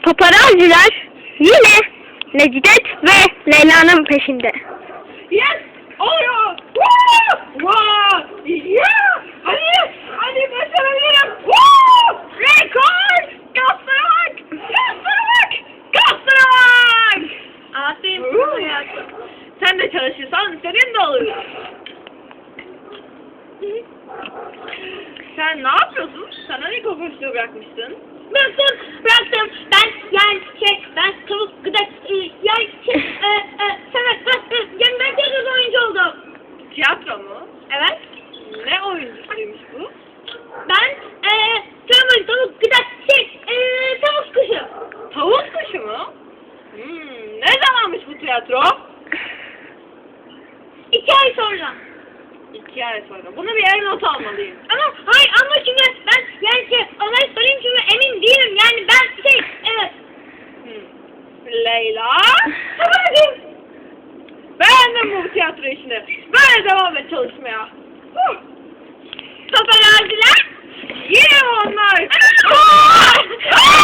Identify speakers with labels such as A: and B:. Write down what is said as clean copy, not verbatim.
A: Paparazziler yine Necdet ve Leyla'nın peşinde.
B: Yes! Oluyor! Woo! Wow! Yeah! Hadi başarabilirim! Woo! Rekor! Gaslara bak! Gaslara bak! Gaslara bak! Aferin hayatım. Sen de çalışırsan senin de olur. Sen ne yapıyorsun? Sen hani kokoşluğu bırakmıştın?
C: Bıraktım. Ben tavuk gıdak ben tiyatro oyuncu oldum.
B: Tiyatro mu?
C: Evet.
B: Ne oyuncusuymuş bu?
C: Ben tavuk gıdak tavuk kuşu.
B: Tavuk kuşu mu? Ne zamanmış bu tiyatro?
C: 2 ay sonra.
B: 2 ay sonra. Bunu bir yere not almalıyım.
C: Ama şimdi ben onları söyleyeyim çünkü emin değilim. Yani ben evet.
B: Leyla. Beğendim bu tiyatro işini. Böyle devam et çalışmaya.